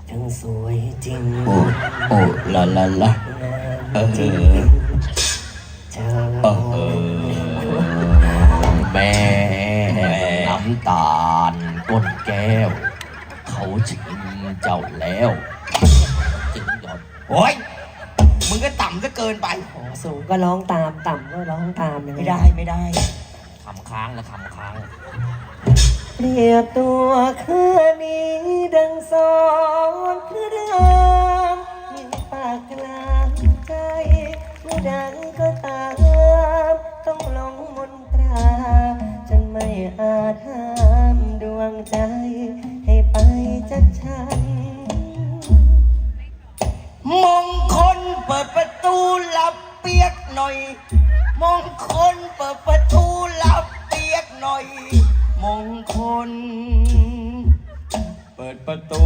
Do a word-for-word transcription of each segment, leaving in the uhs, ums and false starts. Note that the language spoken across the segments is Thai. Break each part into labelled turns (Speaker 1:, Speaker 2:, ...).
Speaker 1: ทั้งสวยจริง
Speaker 2: โอ้โอ้ละละละเออ
Speaker 1: จริงเธอ
Speaker 2: เออแม่น้ำตาลก้นแก้วเขาชิงเจ้าแล้วจริงหยอดโอ้ยมึงก็ต่ำซะเกินไป
Speaker 1: โอ้สูงก็ร้องตามต่ำก็ร้องตามยังง
Speaker 2: ไม่ได้ไม่ได้คำค้างแล้วคำค้าง
Speaker 1: เปรียบตัวคืนนี้ดังสอนพระรามยิ่งปากกลางใจเมื่อดังก็ตามต้องหลงมนตราจนไม่อาจห้ามดวงใจให้ไปจากฉัน
Speaker 2: มงคลเปิดประตูลับเปียกหน่อยมงคลเปิดประตูลับเปียกหน่อยมงคลเปิดประตู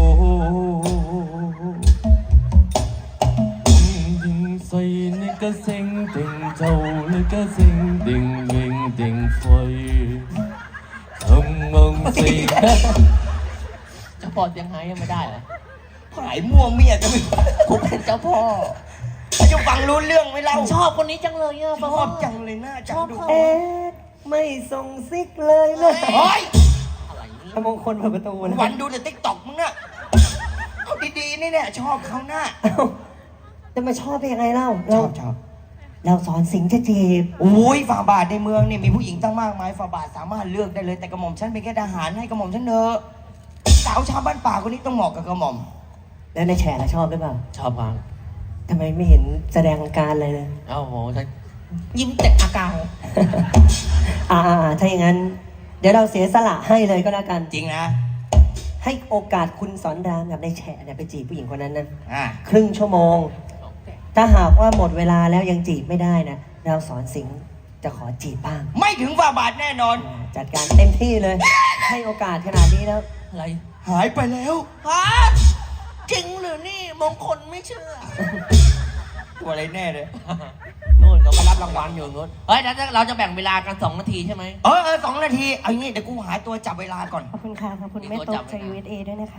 Speaker 3: ดิ่งใส่ในกระเซ็งดิ่งเจ้าในกระเซ็งดิ่งเว่งดิ่งไฟทำมองสิจะพอยังไงยังไม่ได้เหรอ
Speaker 2: ผายม่วงเมียกันไม่
Speaker 3: ผมเป็นเจ้าพ่อ
Speaker 2: จะฟังรู้เรื่องไหมเรา
Speaker 3: ชอบคนนี้จังเลยอ่ะ
Speaker 2: ชอบจังเลยน่าจังดู
Speaker 1: เอ๊ะไม่ส่งซิกเลยนะ
Speaker 2: โอ้ย
Speaker 3: อะไรนี่
Speaker 1: มงคลเปิดประตูนะ
Speaker 2: วันดูแต่ติ๊กต็อกมึงน่ะเอาดีๆนี่เนี่ยชอบเขาหน้า
Speaker 1: เอ้าจะมาชอบได้ยังไงเล่า
Speaker 2: ช
Speaker 1: เรา
Speaker 2: อบชอบ
Speaker 1: เราสอนสิงจะจีบ
Speaker 2: โอ้ยฝ่าบาทในเมืองเนี่ยมีผู้หญิงตั้งมากมายฝ่าบาทสามารถเลือกได้เลยแต่กระหม่อมฉันเป็นแค่ทหารให้กระหม่อมฉันเนอะสาวชาวบ้านป่าคนนี้ต้องเหมาะกับกระหม่อม
Speaker 1: แล้วในแฉะชอบหรือเปล่า
Speaker 3: ชอบพัง
Speaker 1: ทำไมไม่เห็นแสดงอาการเลยเลย
Speaker 3: เอ้าโหฉันยิ้มแต่อาการ
Speaker 1: อ่าๆถ้าอย่างนั้น เดี๋ยวเราเสียสละให้เลยก็แล้วกัน
Speaker 2: จริงนะ
Speaker 1: ให้โอกาสคุณสอนรามกับในแฉะเนี่ยไปจีบผู้หญิงคนนั้นนะ
Speaker 2: อ่า
Speaker 1: ครึ่งชั่วโมง ถ้าหากว่าหมดเวลาแล้วยังจีบไม่ได้นะเราสอนสิงจะขอจีบบ้าง
Speaker 2: ไม่ถึงฝ่าบาทแน่นอน
Speaker 1: อ่าจัดการเต็มที่เลย ให้โอกาสขนาดนี้แล้ว
Speaker 3: อะไร
Speaker 2: หายไปแล้ว
Speaker 3: ฮะจริงหรือนี่มงคลไม่เชื่อ
Speaker 2: ตัวอะไรแน่เลย
Speaker 3: นู่นเขาไปรับรางวัลอยู่นู่นเฮ้ยแล้วเราจะแบ่งเวลากันสองนาทีใช่ไหม
Speaker 2: เออเออสองนาทีเอางี้เดี๋ยวกูหาตัวจับเวลาก่อน
Speaker 1: ขอบคุณค่ะ ขอบคุณแม่โต๊ะจาก ยู เอส เอ ด้วยนะคะ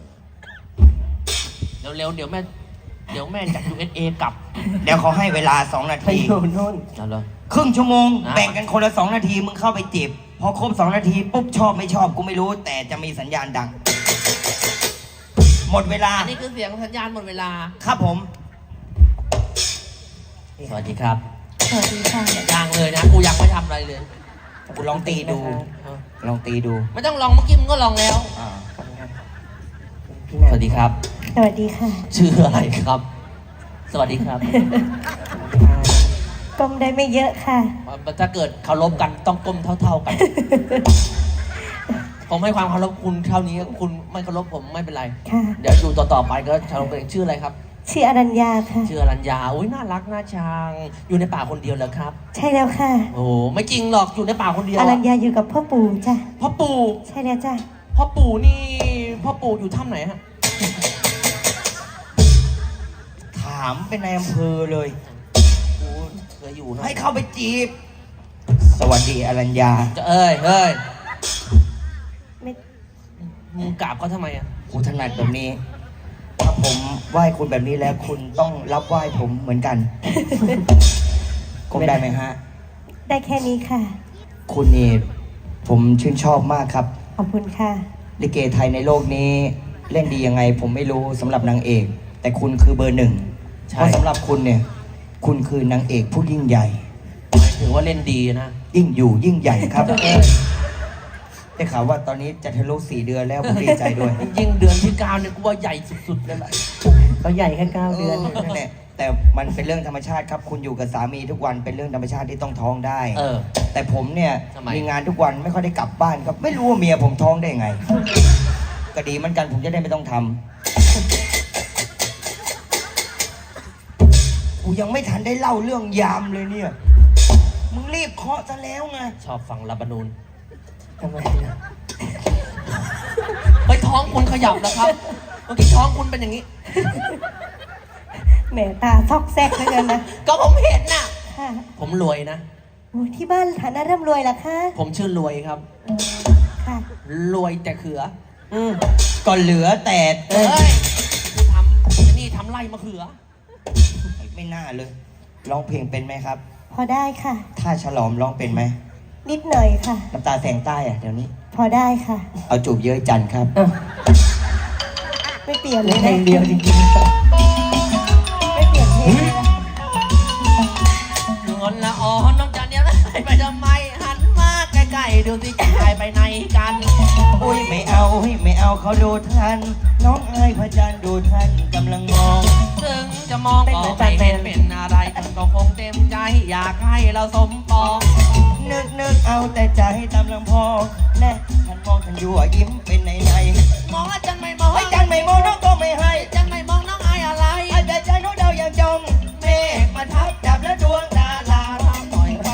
Speaker 3: เออเร็วๆเดี๋ยวแม่เดี๋ยวแม่จาก ยู เอส เอ กลับ
Speaker 2: เดี๋ยวเขาให้เวลาสองนา
Speaker 1: ไป
Speaker 2: ที
Speaker 1: อยู่นู่น
Speaker 3: เอาเลย
Speaker 2: ครึ่งชั่วโมง
Speaker 3: อ่า
Speaker 2: แบ่งกันคนละสองนาทีมึงเข้าไปจีบพอครบสองนาทีปุ๊บชอบไม่ชอบกูไม่รู้ แต่จะมีสัญญาณดัง หมดเวลา
Speaker 3: อันนี้คือเสียงสัญญาณหมดเวลา
Speaker 2: ครับผม
Speaker 3: สวัสดีครับ
Speaker 1: สวัสดีค่ะ
Speaker 3: ยังเลยนะ กูยังไม่ทำอะไรเลย
Speaker 2: กูลองตีดู ลองตีดู
Speaker 3: ไม่ต้องลองเมื่อกี้มึงก็ลองแล้ว
Speaker 2: อ่า
Speaker 1: ขอบคุณครับ
Speaker 3: สวัสดีครับ
Speaker 1: สวัสดีค่ะ
Speaker 3: ชื่ออะไรครับ สวัสดีครับ
Speaker 1: ก้มได้ไม่เยอะค่ะ
Speaker 3: ถ้าเกิดเคารพกันต้องก้มเท่า ๆกัน ผมให้ความเคารพคุณเท่านี้ คุณไม่เคารพผมไม่เป็นไร
Speaker 1: ค่ะ
Speaker 3: เดี๋ยวอยู่ต่อๆไปก็เคารพกันเองชื่ออะไรครับ
Speaker 1: ชื่ออรัญญาค่ะ
Speaker 3: ชื่ออรัญญาอุ้ยน่ารักน่าชัง อยู่ในป่าคนเดียวเหรอครับ
Speaker 1: ใช่แล้วค่ะ
Speaker 3: โอ้โหไม่จริงหรอกอยู่ในป่าคนเดียว
Speaker 1: อ
Speaker 3: อะ
Speaker 1: รัญญาอยู่กับพ่อปู่จ้ะ
Speaker 3: พ่อปู่
Speaker 1: ใช่แล้วจ้ะ
Speaker 3: พ่อปู่นี่พ่อปู่อยู่ถ้ำไหนฮะ
Speaker 2: ถามเป็นนายอำเภอเลย
Speaker 3: กูเคยอยู่นะ
Speaker 2: ให้เข้าไปจีบ สวัสดีอรัญญา
Speaker 3: จะเอ้ยเฮ้ย
Speaker 1: ไม่
Speaker 3: มึงกราบเขาทำไมอ่ะ
Speaker 2: กูถนัดแบบนี้ ถ้าผมไหว้คุณแบบนี้แล้ว คุณต้องรับไหว้ผมเหมือนกัน คงได้ไหมฮะ
Speaker 1: ได้แค่นี้ค่ะ
Speaker 2: คุณนี่ผมชื่นชอบมากครับ
Speaker 1: ขอบคุณค่ะ
Speaker 2: ลิเกไทยในโลกนี้เล่นดียังไง ผมไม่รู้สำหรับนางเอก แต่คุณคือเบอร์หนึ่ง
Speaker 3: ใช่
Speaker 2: เพราะสำหรับคุณเนี่ย คุณคือนางเอกผู้ยิ่งใหญ่
Speaker 3: หมายถึงว่าเล่นดีนะ
Speaker 2: ยิ่งอยู่ยิ่งใหญ่ครับ
Speaker 3: เออ
Speaker 2: ได้ข่าวว่าตอนนี้จะทะลุสี่เดือนแล้วผมดีใจด้วย
Speaker 3: ยิ่งเดือนที่เก้าเนี่ยกูว่าใหญ่สุดๆเลยแหละ
Speaker 1: เขาใหญ่แค่เก้าเดือน
Speaker 2: นั่นแหละแต่มันเป็นเรื่องธรรมชาติครับ คุณอยู่กับสามีทุกวันเป็นเรื่องธรรมชาติที่ต้องท้องได้
Speaker 3: เออ
Speaker 2: แต่ผมเนี่ย
Speaker 3: ทำไม
Speaker 2: มีงานทุกวันไม่ค่อยได้กลับบ้านครับ ไม่รู้ว่าเมียผมท้องได้ไง ก็ดีเหมือนกันผมจะได้ไม่ต้องทำกูยังไม่ทันได้เล่าเรื่องยามเลยเนี่ย มึงรีบเคาะซะแล้วไง
Speaker 3: ชอบฟังลาบานูน
Speaker 1: ทำไมล่ะ
Speaker 3: ไปท้องคุณขยับนะครับ เมื่อกี้ท้องคุณเป็นอย่างนี้
Speaker 1: แหมตาซอกแซกเหลือเกินนะ
Speaker 3: ก็ผมเห็นน่ะ
Speaker 1: ค่ะ
Speaker 3: ผมรวยนะ
Speaker 1: โอ้ที่บ้านฐานะร่ำรวยเหรอคะ
Speaker 3: ผมชื่อรวยครับ
Speaker 1: อืมค่ะ
Speaker 3: รวยแต่เขือ
Speaker 1: อืม
Speaker 2: ก็เหลือแต่
Speaker 1: เออ
Speaker 3: เฮ้ย
Speaker 2: ล่มะเขือ
Speaker 1: ไม่น่าเลยร้องเพลงเป็นไหมครับ
Speaker 4: พอได้ค่ะ
Speaker 1: ถ้าฉลอมร้องเป็นไหม
Speaker 4: นิดหน่อยค่ะ
Speaker 1: น้ำตาแสงใต้อะเดี๋ยวนี้
Speaker 4: พอได้ค่ะ
Speaker 1: เอาจูบเย้ยจันทร์ครับ
Speaker 4: ไม่เปลี่ยนเล
Speaker 1: เพล
Speaker 4: ย
Speaker 1: ง
Speaker 4: นะ
Speaker 1: เดียวจริงๆ
Speaker 4: ไม่เปลี่ยนเพลงเลยนะ
Speaker 2: งอนละอ่อนน้องจันเดียวนะไปทำไมหันมาใกล้ๆดูสิจะหายไปไหนกัน
Speaker 1: อุ้ยไม่เอาเฮ้ยไม่เอาเขาดูทัน น้องอายพระจันทร์ดูทันกำลังมอง
Speaker 2: ถึงจะมองก็ไม่เห็นเป็นอะไรก็คงเต็มใจอยากให้เราสมปอง
Speaker 1: นึกนึกเอาแต่ใจตามลำพองแน่ฉันมองฉันยั่วยิ้มเป็นในใน
Speaker 2: มองอาจารย์ไม่มอง
Speaker 1: ไอ้ยจันไม่มองน้องก็ไม่ให้
Speaker 2: อาจารย์ไม่มองน้องอายอะไร
Speaker 1: ไอ้แต่ใจน้องเดาอย่างจงเมฆมาทับจับและดวงดารา
Speaker 2: ทำต่อยกัน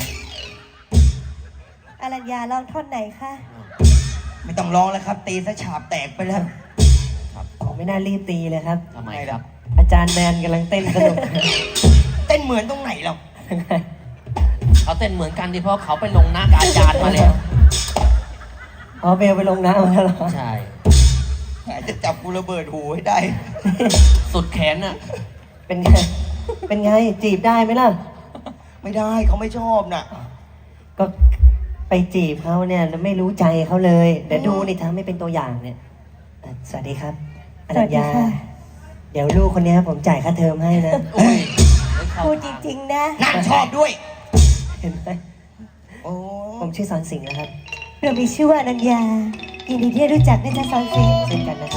Speaker 4: อรัญญาลองท่อนไหนคะ
Speaker 1: ไม่ต้องร้องแล้วครับ ตีซะฉาบแตกไปแล้ว
Speaker 5: ผมไม่น่ารีบตีเลยครับ
Speaker 2: ทำไมครับ
Speaker 5: อาจารย์แมนกำลังเต้นสนุก
Speaker 1: เต้นเหมือนตรงไหนหรอก
Speaker 2: เขาเต้นเหมือนกันที่เพราะเขาไปลงหน้ากบอาจารย์มาแล้ว
Speaker 5: อ๋อเบลไปลงน้ำมาแล้วเหรอ
Speaker 2: ใช่
Speaker 1: แหมจะจับกูระเบิดหูให้ได้
Speaker 2: สุดแขนน่ะ
Speaker 5: เป็นไง เป็นไง จีบได้ไหมล่ะ
Speaker 1: ไม่ได้เขาไม่ชอบน่ะ
Speaker 5: ก็ไปจีบเขาเนี่ยแล้วไม่รู้ใจเขาเลย เดี๋ยวดูนี่ทำไม่เป็นตัวอย่างเนี่ยเอ่อสวัสดีครับอ
Speaker 4: ส
Speaker 5: รั
Speaker 4: วั
Speaker 5: ญ
Speaker 4: สดี
Speaker 5: ญา
Speaker 4: ค่ะ
Speaker 5: เดี๋ยวลูกคนนี้ผมจ่ายค่าเทอมให้นะ
Speaker 2: อุ้ย
Speaker 4: พูดจริงๆนะ
Speaker 1: นั่งชอบด้วย
Speaker 5: เห็นไหม
Speaker 1: โอ้
Speaker 5: ผมชื่อสอนสิงห์นะครับ
Speaker 4: เรามีชื่อว่าอรัญญายินดีที่ได้รู้จักนะจ๊ะสอนสิงห์
Speaker 5: เช่นกันนะครับ